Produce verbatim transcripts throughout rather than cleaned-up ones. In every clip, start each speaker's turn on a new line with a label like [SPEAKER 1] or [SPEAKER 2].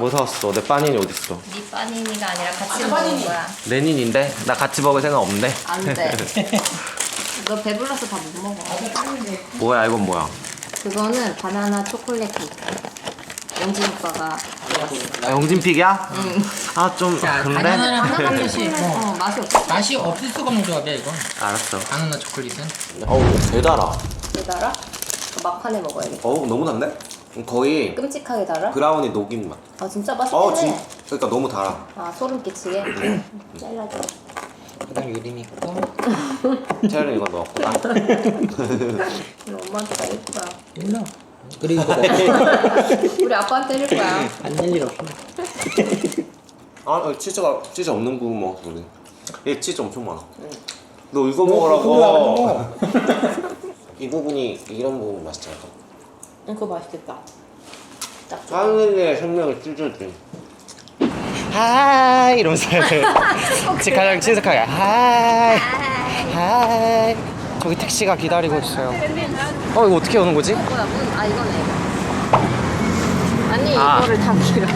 [SPEAKER 1] 뭐 사왔어? 내 빠니니 어딨어?
[SPEAKER 2] 네 빠니니가 아니라 같이 아, 먹는 거야.
[SPEAKER 1] 레닌인데? 나 같이 먹을 생각 없네.
[SPEAKER 2] 안 돼. 너 배불러서 다 못 먹어.
[SPEAKER 1] 뭐야 이건 뭐야?
[SPEAKER 2] 그거는 바나나 초콜릿 케이크. 영진 오빠가 먹었어.
[SPEAKER 1] 아, 영진픽이야?
[SPEAKER 2] 응.
[SPEAKER 1] 아 좀 그런데?
[SPEAKER 3] 바나나랑 하나 맛이
[SPEAKER 2] 어, 맛이 없어.
[SPEAKER 3] 맛이 없을 수가 없는 조합이야 이거.
[SPEAKER 1] 알았어.
[SPEAKER 3] 바나나 초콜릿은.
[SPEAKER 1] 어우 개 달아.
[SPEAKER 2] 왜 달아? 막판에 먹어야겠다.
[SPEAKER 1] 어우 너무 단데? 거의
[SPEAKER 2] 끔찍하게 달아?
[SPEAKER 1] 브라우니 녹인 맛.
[SPEAKER 2] 아 진짜 맛있네.
[SPEAKER 1] 어 진. 그러니까 너무 달아.
[SPEAKER 2] 아 소름 끼치게. 잘라줘.
[SPEAKER 3] 그다음 유림 있고.
[SPEAKER 1] 채연이 이거 넣었고.
[SPEAKER 2] 이거 엄마한테 날릴 거야.
[SPEAKER 3] 몰라. 그리고
[SPEAKER 2] 우리 아빠한테 때릴 거야.
[SPEAKER 3] 안될 일 없어.
[SPEAKER 1] 아 치즈가 치즈 없는 부분 먹어 우리. 얘 치즈 엄청 많아.
[SPEAKER 2] 응.
[SPEAKER 1] 너 이거
[SPEAKER 3] 그거
[SPEAKER 1] 먹으라고. 이 부분이 이런 부분 맛있잖아.
[SPEAKER 2] 응, 그거 맛있겠다. 딱 좋아.
[SPEAKER 1] 하늘의 생명을 찢어지. 하이 이러면서 가장 친숙하게 하이 하이. 저기 택시가 기다리고 있어요. 어 이거 어떻게 오는 거지?
[SPEAKER 2] 뭐야 문? 아 이거네. 아니
[SPEAKER 1] 아.
[SPEAKER 2] 이거를 다 길어.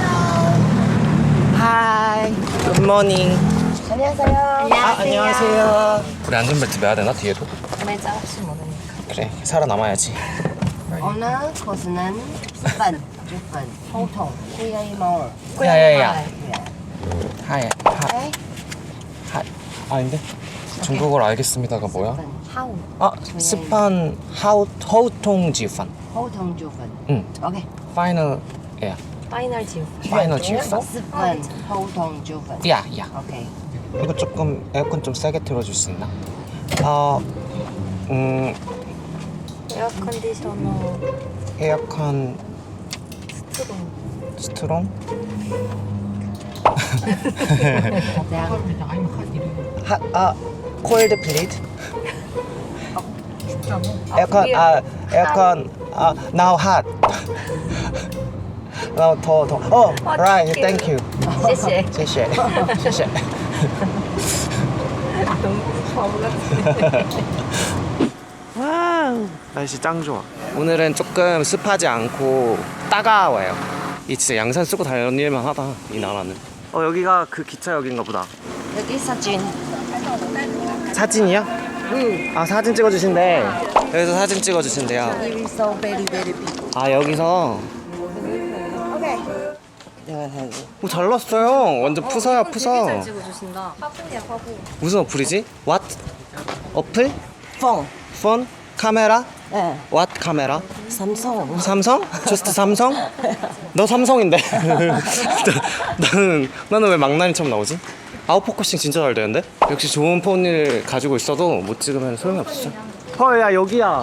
[SPEAKER 1] 하이 굿모닝.
[SPEAKER 2] 안녕하세요.
[SPEAKER 1] 아 안녕하세요. 우리 안전벨트 매야 되나 뒤에도?
[SPEAKER 2] 매자 혹시 모르니까.
[SPEAKER 1] 그래 살아남아야지.
[SPEAKER 2] 어느 코스는 십 분, 육 분, 보통 구야이 마을.
[SPEAKER 1] 야야야. 하이 하이
[SPEAKER 2] 오케이.
[SPEAKER 1] 하이. 아닌데? 중국어로 알겠습니다가 뭐야?
[SPEAKER 2] 하우.
[SPEAKER 1] 아 스판 하우 허우통 지판.
[SPEAKER 2] 호통 주분.
[SPEAKER 1] 응.
[SPEAKER 2] 오케이.
[SPEAKER 1] 파이널 야.
[SPEAKER 2] 파이널 지우.
[SPEAKER 1] 파이널 지판.
[SPEAKER 2] 십 분, 호통 주분.
[SPEAKER 1] 야 야.
[SPEAKER 2] 오케이.
[SPEAKER 1] 이거 조금 에어컨 좀 세게 틀어줄 수 있나? 어, 음,
[SPEAKER 2] 에어 컨디셔너
[SPEAKER 1] 에어컨
[SPEAKER 2] 스트롱.
[SPEAKER 1] 스트롱? 하, 아, 콜드 플리즈? 에어컨, 아, 에어컨, 아, now hot. now 더, 더. 어, right, thank you.
[SPEAKER 2] 谢谢.
[SPEAKER 1] 谢谢. 谢谢. 와우 날씨 짱 좋아. 오늘은 조금 습하지 않고 따가워요. 이 진짜 양산 쓰고 다닐만 하다 이 나라는. 어 여기가 그 기차역인가 보다.
[SPEAKER 2] 여기 사진.
[SPEAKER 1] 사진이요?
[SPEAKER 2] 응.
[SPEAKER 1] 아 사진 찍어주신대. 여기서 사진 찍어주신대요.
[SPEAKER 2] Here is so very very big.
[SPEAKER 1] 아 여기서
[SPEAKER 2] 오케이.
[SPEAKER 1] 오 잘났어요. 완전 푸서야 푸서.
[SPEAKER 2] 잘 찍어주신다. 화분이야 화분.
[SPEAKER 1] 무슨 어플이지? What? 어플?
[SPEAKER 4] 폰.
[SPEAKER 1] 폰? 카메라?
[SPEAKER 4] 네.
[SPEAKER 1] What 카메라?
[SPEAKER 4] 삼성.
[SPEAKER 1] 삼성? 저스트 삼성? 너 삼성인데. 나는 나는 왜 망나니처럼 나오지? 아웃포커싱 진짜 잘 되는데? 역시 좋은 폰을 가지고 있어도 못 찍으면 소용이 없어. 헐야 여기야.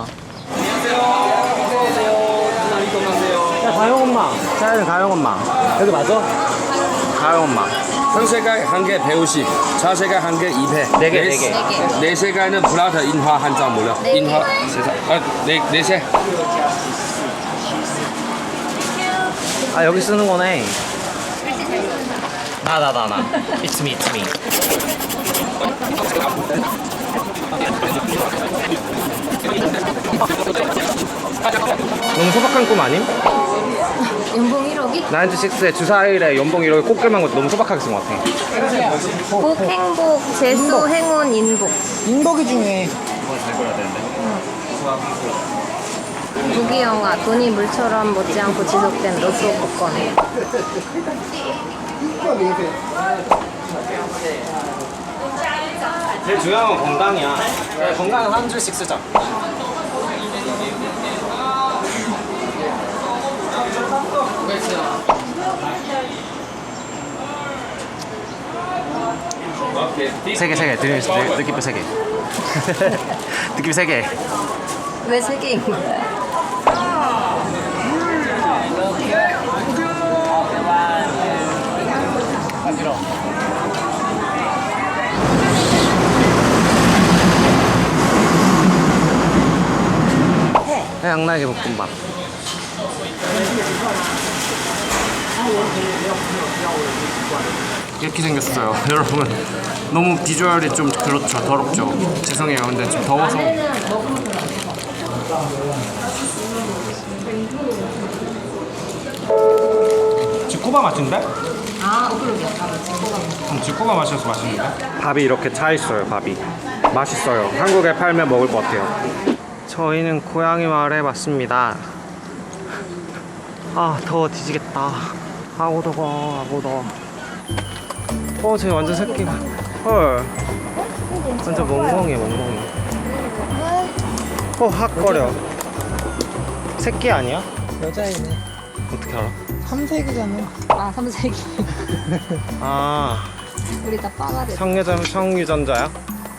[SPEAKER 1] 야 가영 엄마. 자연 가영 엄마. 여기 맞아? 가영 엄마.
[SPEAKER 5] 상세가 한 개 백오십, 좌세가 한 개 이백.
[SPEAKER 1] 네 개, 네 개.
[SPEAKER 5] 네 세가는 플라타 인화 한 장 몰라.
[SPEAKER 2] 네 개.
[SPEAKER 5] 인화 세 장. 아, 네, 네 세.
[SPEAKER 1] 아 여기 쓰는 거네. 나 나 나 나. It's me, it's me. 너무 소박한 꿈 아님?
[SPEAKER 2] 연봉 일억이?
[SPEAKER 1] 나인티식스의 주사일에 연봉 일억이 꽃게만 것도 너무 소박하게 쓴 것 같아.
[SPEAKER 2] 복, 행복, 재수, 행운, 인복.
[SPEAKER 4] 인복이 중요해.
[SPEAKER 2] 무기 영화, 돈이 물처럼 못지않고 지속된 로또 복권.
[SPEAKER 1] 제일 중요한 건 건강이야. 건강은 한 줄씩 쓰자. 세 개, 세 개. 느낌, 느낌 세 개. 느낌 세 개.
[SPEAKER 2] 왜 세 개인 거야?
[SPEAKER 1] 양날개 볶음밥. 이렇게 생겼어요. 여러분 너무 비주얼이 좀 그렇죠. 더럽죠. 죄송해요. 근데 좀 더워서.
[SPEAKER 5] 지코바 맛인데?
[SPEAKER 2] 아, 어, 그러게요. 아, 지코바.
[SPEAKER 5] 음, 지코바 맛이어서 맛있는데? 밥이 이렇게 차 있어요. 밥이 맛있어요. 한국에 팔면 먹을 것 같아요.
[SPEAKER 1] 저희는 고양이 마을에 왔습니다. 아 더워 뒤지겠다. 아고 더워 아고 더워. 어 저기 완전 새끼가 헐 완전 멍멍이야 멍멍이. 어 핫거려. 새끼 아니야?
[SPEAKER 4] 여자애네.
[SPEAKER 1] 어떻게 알아?
[SPEAKER 4] 삼색이잖아.
[SPEAKER 2] 아, 삼색이.
[SPEAKER 1] 아
[SPEAKER 2] 우리 다 빠가 됐어.
[SPEAKER 1] 성유전 성유전자야?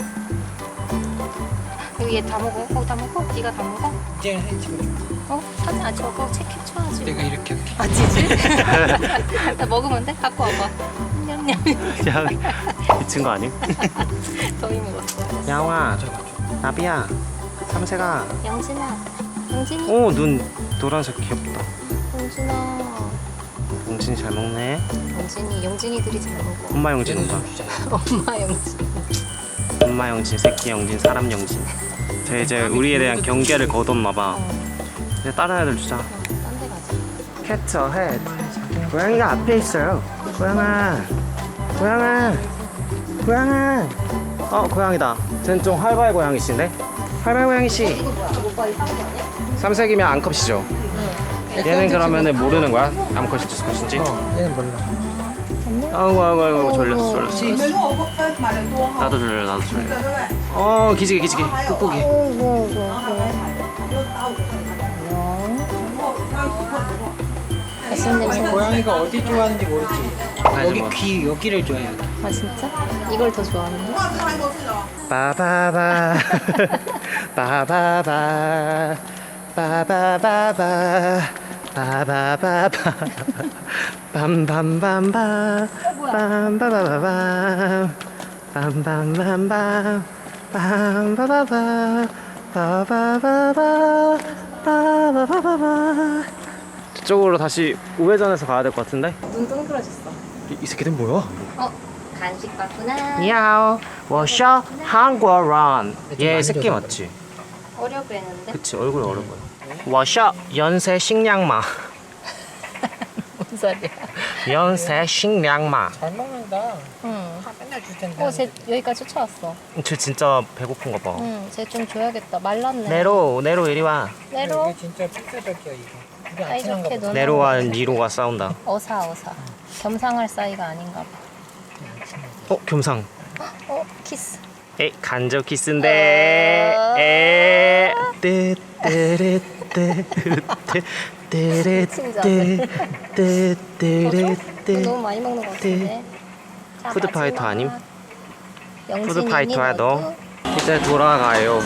[SPEAKER 2] 여기 얘 다 먹어? 거기 다 먹어? 네가 다 먹어?
[SPEAKER 3] 이제 사진 찍어줘.
[SPEAKER 2] 어? 사진 안 저거 책 캡처하지.
[SPEAKER 3] 내가 이렇게 할게.
[SPEAKER 2] 아, 지지? 나 먹으면 돼? 갖고 와봐. 냠냠.
[SPEAKER 1] 이 친구 아님?
[SPEAKER 2] 더위 먹었어.
[SPEAKER 1] 양아 나비야 삼세가.
[SPEAKER 2] 영진아. 영진이.
[SPEAKER 1] 오 눈 노란색 귀엽다.
[SPEAKER 2] 영진아.
[SPEAKER 1] 용진이 잘 먹네.
[SPEAKER 2] 영진이. 영진이들이 잘 먹어.
[SPEAKER 1] 엄마 용진 온다.
[SPEAKER 2] 엄마 영진.
[SPEAKER 1] 엄마 영진, 새끼 영진, 사람 영진. 쟤 이제 우리에 대한 경계를 거뒀나봐. 이제 다른 애들 주자.
[SPEAKER 2] 딴 데 가자.
[SPEAKER 1] 캐쳐 해. 고양이가 앞에 있어요. 고양아, 고양아, 고양아. 어 고양이다. 쟤는 좀 활발 고양이씨인데? 활발 고양이씨. 삼색이면 암컷이죠. 얘는 그러면은 모르는 거야? 암컷인지 수컷인지?
[SPEAKER 3] 어, 얘는 몰라.
[SPEAKER 1] 아이고 아이고 아이고 졸렸어 졸렸어. 나도 졸려 나도 졸려. 어 기지개 기지개 꾹꾹이.
[SPEAKER 2] 무슨 냄새?
[SPEAKER 3] 고양이가 어디 좋아하는지 모르지. 여기
[SPEAKER 1] 뭐.
[SPEAKER 3] 귀 여기를 좋아해. 여기.
[SPEAKER 2] 아, 진짜? 이걸 더 좋아하는데?
[SPEAKER 1] 빠바바 빠바바 빠바바바 빠바바바 빰빰빰빰 빰바바바밤 빰빰빰빰 빰바바바 빠바바바 빠바바바바. 저쪽으로 다시 우회전해서 가야 될 것 같은데?
[SPEAKER 2] 눈 동그라졌어.
[SPEAKER 1] 이, 이 새끼들 뭐야?
[SPEAKER 2] 어? 간식 받구나.
[SPEAKER 1] 니하오, 我是韩国人. 얘 새끼 맞지?
[SPEAKER 2] 어려 보이는데?
[SPEAKER 1] 그치 얼굴 어려 보여. 我是연세 식량마.
[SPEAKER 2] 뭔 소리야?
[SPEAKER 1] 연세 식량마.
[SPEAKER 3] 잘 먹는다.
[SPEAKER 2] 응.
[SPEAKER 3] 다 맨날 줄 텐데.
[SPEAKER 2] 어, 쟤 여기까지 쫓아왔어.
[SPEAKER 1] 쟤 진짜 배고픈가 봐.
[SPEAKER 2] 응, 쟤 좀 줘야겠다. 말랐네.
[SPEAKER 1] 네로 네로 이리 와.
[SPEAKER 2] 네로.
[SPEAKER 3] 이게 진짜 픽셀적이야 이거. 우리
[SPEAKER 2] 아,
[SPEAKER 3] 안 친한가
[SPEAKER 2] 이렇게
[SPEAKER 3] 보다.
[SPEAKER 2] 눈-
[SPEAKER 1] 네로와 니로가 싸운다.
[SPEAKER 2] 어사, 어사. 겸상할 사이가 아닌가 봐.
[SPEAKER 1] 어 겸상.
[SPEAKER 2] 어, 키스.
[SPEAKER 1] 에 간접 키스인데. 에 떼떼레떼 떼떼레떼 떼떼레떼.
[SPEAKER 2] 너무 많이 먹는 것 같은데. 자,
[SPEAKER 1] 푸드파이터
[SPEAKER 2] 마지막.
[SPEAKER 1] 아님?
[SPEAKER 2] 영진이
[SPEAKER 1] 푸드파이터야
[SPEAKER 2] 너도?
[SPEAKER 1] 너. 이제 돌아가요.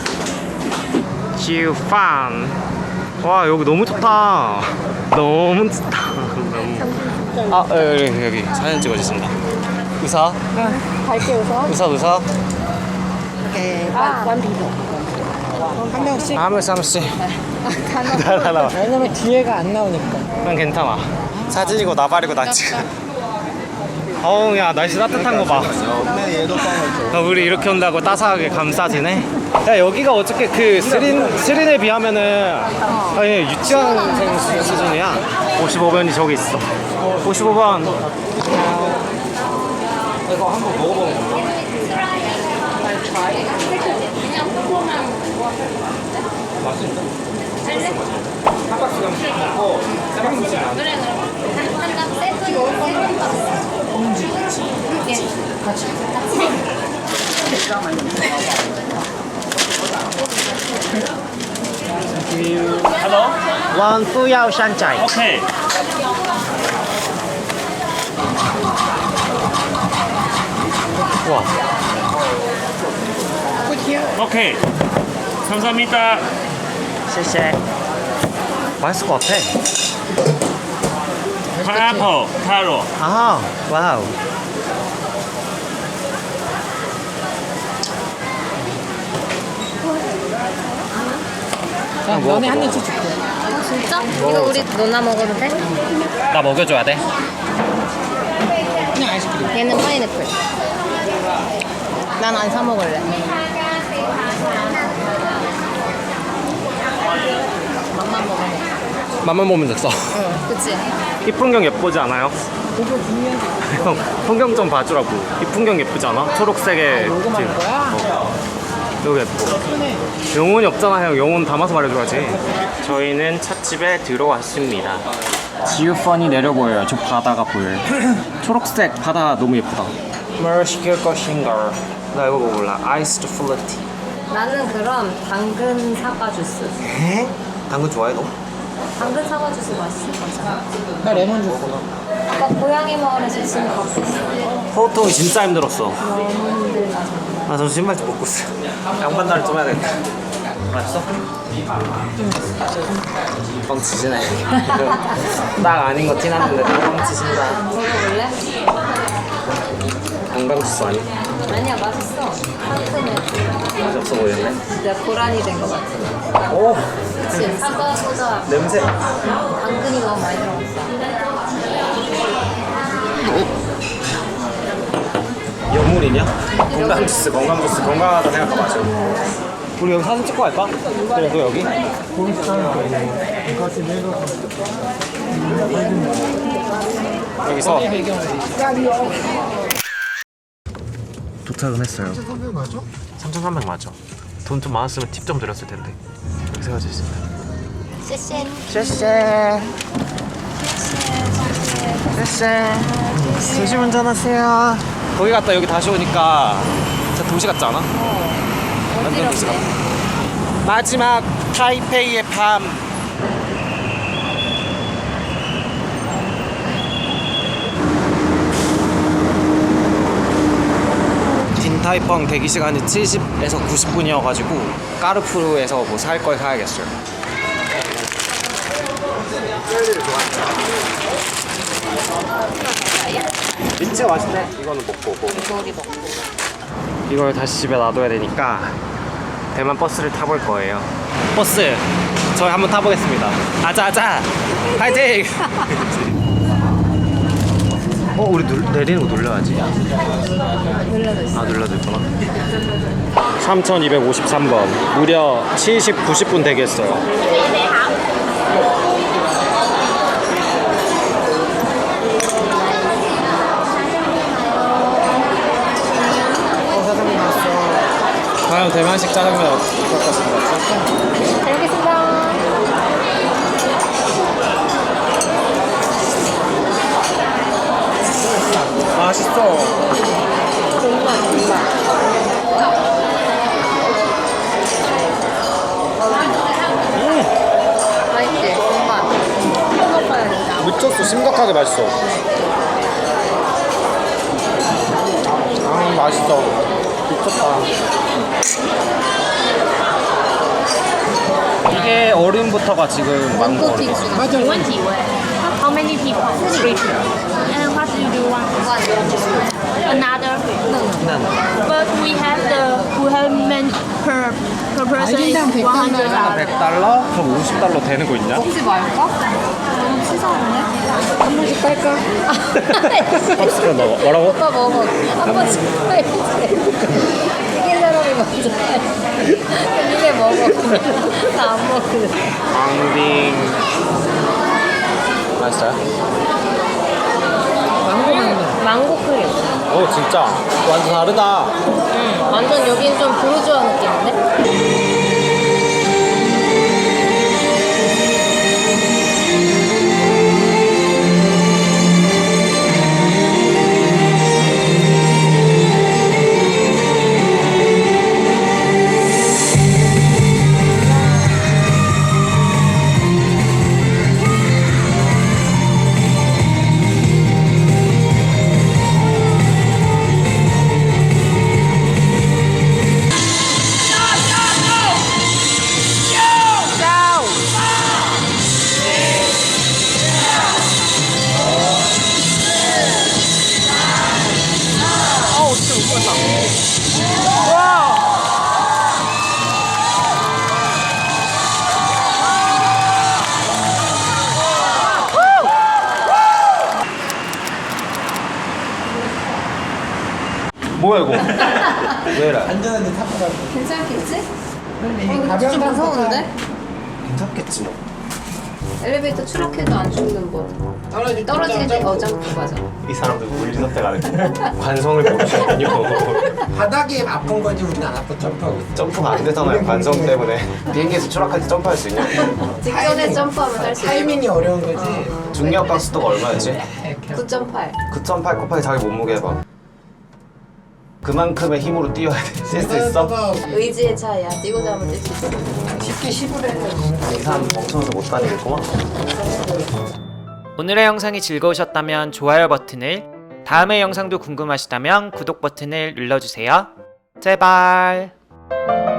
[SPEAKER 1] 지우판. 와 여기 너무 좋다. 너무 좋다. 너무. 아 여기 여기 사진 찍어주신다. 웃어.
[SPEAKER 2] 밝게 웃어.
[SPEAKER 1] 웃어 웃어.
[SPEAKER 2] 아,
[SPEAKER 4] 한 명씩.
[SPEAKER 1] 한 명씩 한 명씩.
[SPEAKER 2] 단어.
[SPEAKER 1] 나 나와.
[SPEAKER 4] 왜냐면 뒤에가 안 나오니까.
[SPEAKER 1] 그냥 괜찮아. 사진이고 나발이고 나 지금. 어우 야 날씨 따뜻한 거 봐. 야, 우리 이렇게 온다고 따스하게 감싸지네. 야 여기가 어떻게 그 스린 스린에 비하면은 아니 유치원생 수- 수준이야. 오십오 번이 저기 있어. 오십오 번. 이거 한번 먹어보는 거. 맛있다. 한 박스 먹고 세 박스씩 안 돼.
[SPEAKER 2] 한장 세트
[SPEAKER 1] 원不要山寨.
[SPEAKER 6] 오케이.
[SPEAKER 1] 와.
[SPEAKER 6] 오케이. 감사합니다.
[SPEAKER 1] 谢谢. 맛있을 것 같아.
[SPEAKER 6] 파인애플, 타로.
[SPEAKER 1] 아, 와우.
[SPEAKER 4] 야, 너네 한 입씩 줄게.
[SPEAKER 2] 진짜? 이거 우리 너나 먹어도 돼?
[SPEAKER 1] 나 먹여줘야 돼.
[SPEAKER 4] 그냥 아이스크림.
[SPEAKER 2] 얘는 파인애플. 난 안 사 먹을래. 맛만 먹어.
[SPEAKER 1] 맛만 보면 됐어.
[SPEAKER 2] 응, 그치?
[SPEAKER 1] 이 풍경 예쁘지 않아요? 형, 풍경 좀 봐주라고. 이 풍경 예쁘지 않아? 초록색에.
[SPEAKER 4] 요거만
[SPEAKER 1] 지금.
[SPEAKER 4] 거야?
[SPEAKER 1] 어. 여기 예뻐. 영혼이 없잖아, 형. 영혼 담아서 말해줘야지. 저희는 찻집에 들어왔습니다. 지우펀이 내려 보여요. 저 바다가 보여요. 초록색 바다 너무 예쁘다. 뭘 시킬 것인가? 나 이거 먹을라. 아이스드 플루티.
[SPEAKER 2] 나는 그럼 당근 사과 주스.
[SPEAKER 1] 에? 당근 좋아해 너?
[SPEAKER 2] 당근 사과 주스 맛있을 거잖아.
[SPEAKER 4] 나 레몬 주스.
[SPEAKER 2] 아까 고양이 마을에서 지금 갖고 있어.
[SPEAKER 1] 호통이 진짜 힘들었어.
[SPEAKER 2] 너무 힘들다.
[SPEAKER 1] 아, 저 신발 좀 벗고 있어. 양반다리 좀 해야겠다. 맛있어? 뻥치시네. 딱 아닌 거 티났는데 뻥치신다.
[SPEAKER 2] 먹어볼래?
[SPEAKER 1] 건강지수 아니?
[SPEAKER 2] 아니야, 맛있어. 상큼해.
[SPEAKER 1] 맛이 없어 보이네.
[SPEAKER 2] 진짜 고란이 된 거 같아.
[SPEAKER 1] 오!
[SPEAKER 2] 그치? 사과보다
[SPEAKER 1] 냄새.
[SPEAKER 2] 당근이 너무 많이 들어갔어.
[SPEAKER 1] 여물이냐? 건강지수, 건강지수, 건강하다 생각하고 마셔. 우리 여기 사진 찍고 갈까? 그래, 너 여기? 여기서 도착은 했어요.
[SPEAKER 4] 삼천삼백 맞아?
[SPEAKER 1] 삼천삼백 맞아. 돈 좀 많았으면 팁 좀 드렸을 텐데. 여기 세워져 있습니다.
[SPEAKER 2] 쎄쎄.
[SPEAKER 1] 쎄쎄. 쎄쎄. 조심 운전하세요. 거기 갔다 여기 다시 오니까 진짜 도시 같지 않아? 완전 도시 같아. 마지막 타이페이의 밤. 딘타이펑 대기 시간이 칠십에서 구십 분이어가지고 까르푸르에서 뭐 살 걸 사야겠어요. 민트 맛있네. 이거는 먹고 오고.
[SPEAKER 2] 이거리 먹고.
[SPEAKER 1] 이걸 다시 집에 놔둬야 되니까 대만 버스를 타볼 거예요. 버스 저희 한번 타보겠습니다. 아자아자 파이팅! 어 우리 눌, 내리는 거 눌러야지.
[SPEAKER 2] 눌러져 있어.
[SPEAKER 1] 아 눌러져 있구나. 삼천이백오십삼 번 무려 칠십, 구십 분 대기했어요. 과연 대만식 짜장면 어떨 것인가?
[SPEAKER 2] 잘 먹겠습니다.
[SPEAKER 1] 맛있어.
[SPEAKER 2] 정말 정말. 맛있지? 정말. 먹어봐야 진짜.
[SPEAKER 1] 미쳤어. 심각하게 맛있어. 아 맛있어. 미쳤다. 이게 얼음부터가 지금 망고 얼음.
[SPEAKER 4] 맞아.
[SPEAKER 7] How many people? Three. And what do you want? Another? But we have the we have men per per person is
[SPEAKER 4] 아이린당 백
[SPEAKER 7] one hundred
[SPEAKER 4] 달러.
[SPEAKER 7] dollars.
[SPEAKER 1] 백 달러? 그럼 오십 달러 되는 거 있냐?
[SPEAKER 2] 먹지 말까? 너무 치사하네.
[SPEAKER 4] 한 번씩 깔까?
[SPEAKER 1] 팝스로 넣어. 뭐라고?
[SPEAKER 2] 오빠 먹어. 한 번씩 해야지. 이긴 사람이 먼저 해. 니네 먹어. 나 안 먹거든.
[SPEAKER 1] 앙빙. 맛있어요?
[SPEAKER 4] 망고 맛나.
[SPEAKER 2] 망고 크림.
[SPEAKER 1] 오 진짜 완전 다르다.
[SPEAKER 2] 응. 완전 여긴 좀 부르주아 느낌인데?
[SPEAKER 1] 뭐야 이거? 왜 이래?
[SPEAKER 4] 안전한데 타고 가고.
[SPEAKER 2] 괜찮겠지?
[SPEAKER 4] 근데
[SPEAKER 2] 어,
[SPEAKER 4] 이게
[SPEAKER 2] 이거
[SPEAKER 4] 가벼운
[SPEAKER 2] 좀
[SPEAKER 4] 탕수가
[SPEAKER 2] 무서운데?
[SPEAKER 1] 괜찮겠지 뭐.
[SPEAKER 2] 엘리베이터 추락해도 안 죽는 법. 떨어질 때 어 점프 맞아.
[SPEAKER 1] 이 사람들 물리 선택하는 관성을 모르시거든요.
[SPEAKER 3] 바닥에 아픈 거지 우리는 안 아파 점프하고 있어.
[SPEAKER 1] 점프가 안 되잖아요. 관성 때문에. 비행기에서 추락할 때 점프할 수 있냐?
[SPEAKER 2] 직전에 점프하면 할 수 있어.
[SPEAKER 3] 타이밍이 어려운 거지.
[SPEAKER 1] 중력 각수도가 얼마였지?
[SPEAKER 2] 구 점 팔.
[SPEAKER 1] 구 점 팔 곱하기 자기 몸무게 해봐. 그만큼의 힘으로 뛰어야 돼. 뛸 수 있어?
[SPEAKER 2] 의지의 차이야. 뛰고자 하면 뛸 수 있어.
[SPEAKER 3] 쉽게 십을 해.
[SPEAKER 1] 이 사람 멍청해서 못 다니겠구만.
[SPEAKER 8] 오늘의 영상이 즐거우셨다면 좋아요 버튼을, 다음의 영상도 궁금하시다면 구독 버튼을 눌러주세요. 제발.